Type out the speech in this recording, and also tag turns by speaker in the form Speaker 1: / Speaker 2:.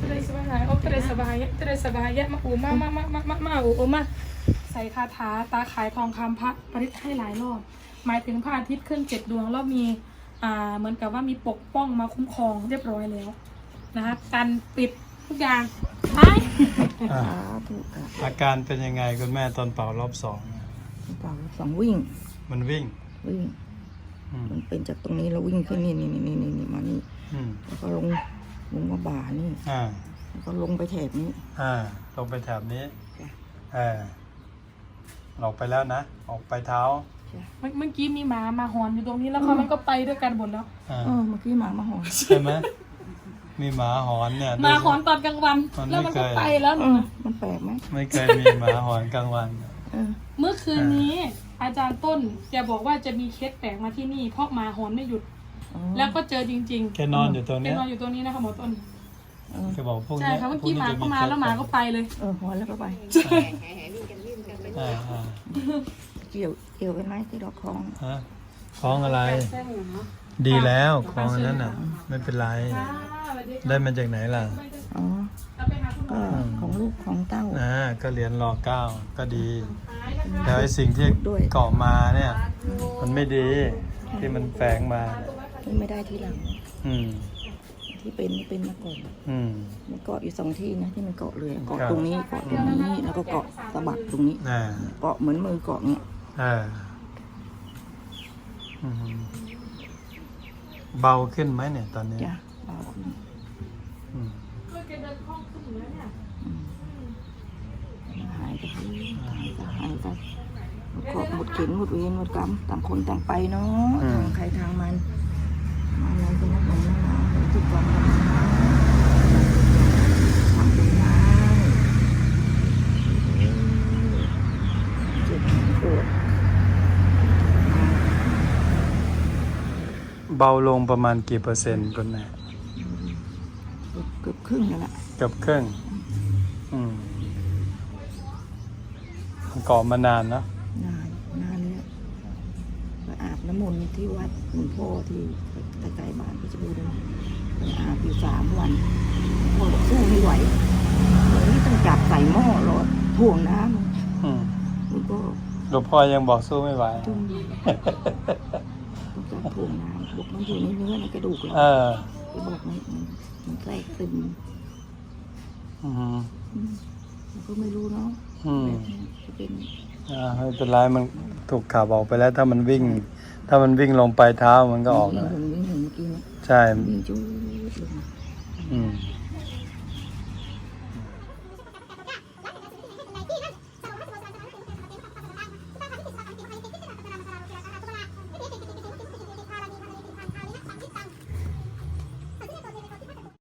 Speaker 1: มาอูมาอูมาใส่คาถาตาขายทองคำพระปริศให้หลายรอบหมายถึงพระอาทิตย์ขึ้น7 ดวงแล้วมีเหมือนกับว่ามีปกป้องมาคุ้มครองเรียบร้อยแล้วนะคะการปิดทุกอย่างไป
Speaker 2: อาการเป็นยังไงคุณแม่ตอนเป่ารอบ2
Speaker 3: เป่ารอบ2วิ่ง
Speaker 2: มันวิ่ง
Speaker 3: มันเป็นจากตรงนี้แล้ววิ่งขึ้นนี่มานี่แล้วก็ลงมาบ่านี่แล้วก็ลงไปแถบนี้
Speaker 2: ลงไปแถบนี้ออกไปแล้วนะออกไปเท้า
Speaker 1: เมื่อกี้มีหมาหอนอยู่ตรงนี้แล้วมันก็ไปด้วยกันหมดแล้ว
Speaker 3: เมื่อกี้หมาหอน
Speaker 2: ใช่ไหมมีหมาหอนเนี่ย
Speaker 1: หมาหอนตอนกลางวันแล้วมันก็ไปแล้ว
Speaker 3: มันแปลกไหม
Speaker 2: ไม่เคยมีหมาหอนกลางวัน
Speaker 1: เมื่อคืนนี้อาจารย์ต้นแกบอกว่าจะมีเคสแปลกมาที่นี่เพราะหมาหอนไม่หยุดแล้วก็เจอจริงๆ
Speaker 2: แกนอนอยู่ตรงนี้
Speaker 1: แกนอนอยู่ตรงนี้นะคะหมอต้น
Speaker 2: แกบอกพวกนี้
Speaker 1: ใช่ค่ะเมื่อกี้หมาเข้ามาแล้วหมาก็ไปเลย
Speaker 3: หอนแล้วก็ไปเกี่ยวกันไหมที่เราคล้อง
Speaker 2: คล้องอะไรดีแล้วคล้องนั้นน่ะไม่เป็นไรได้มาจากไหนล่ะ
Speaker 3: ก็ของลูกของเต้า
Speaker 2: ก็เรียนร.9ก็ดีแล้วไอ้สิ่งที่เกาะมาเนี่ยมันไม่ดีที่มันแฝงมา
Speaker 3: ไม่ได้ทีหลังที่เป็นมาก่อนมันเกาะอยู่2 ที่นะที่มันเกาะเลยเกาะตรงนี้เกาะตรงนี้แล้วก็เกาะสะบักตรงนี้เกาะเหมือนมือเกาะเนี้ย
Speaker 2: เบาขึ้นไหมเนี่ยตอนนี้
Speaker 3: เบาขึ้นหายไปก็หมดเข็นหมดเวรหมดกรรมต่างคนต่างไปเนาะทางใครทางมันอะไรก็นักหนาทุกวันทำเป็นได้เจ็บปวด
Speaker 2: เบาลงประมาณกี่เปอร์เซ็นต์คุณแม่
Speaker 3: เกือบครึ่งแล้วล่ะ
Speaker 2: เกือบครึ่งเกาะมานานนะ
Speaker 3: นานแล้วไปอาบน้ำมนต์ที่วัดหลวงพ่อที่ใกล้ๆบ้านเพชรบูรณ์ไปอาบอยู่3 วันพ่อสู้ไม่ไหววันนี้ต้องจับใส่หม้อรอถ่วงน้ำ
Speaker 2: หลวงพ่อยังบอกสู้ไม่ไหว
Speaker 3: ต้องจับถ่วงน้ำบอกมันอยู่ในเนื้อในกระดูกแล้วไปบอกมันแทรกซึมมันก็ไม่รู้เนาะจะเป็น
Speaker 2: ไม่เป็นไรมันถูกขับออกไปแล้วถ้ามันวิ่งลงไปเท้ามันก็ออกแล้ว
Speaker 3: วิ่งเมื่อกี้
Speaker 2: ใช่
Speaker 3: วิ่งจุ๊บ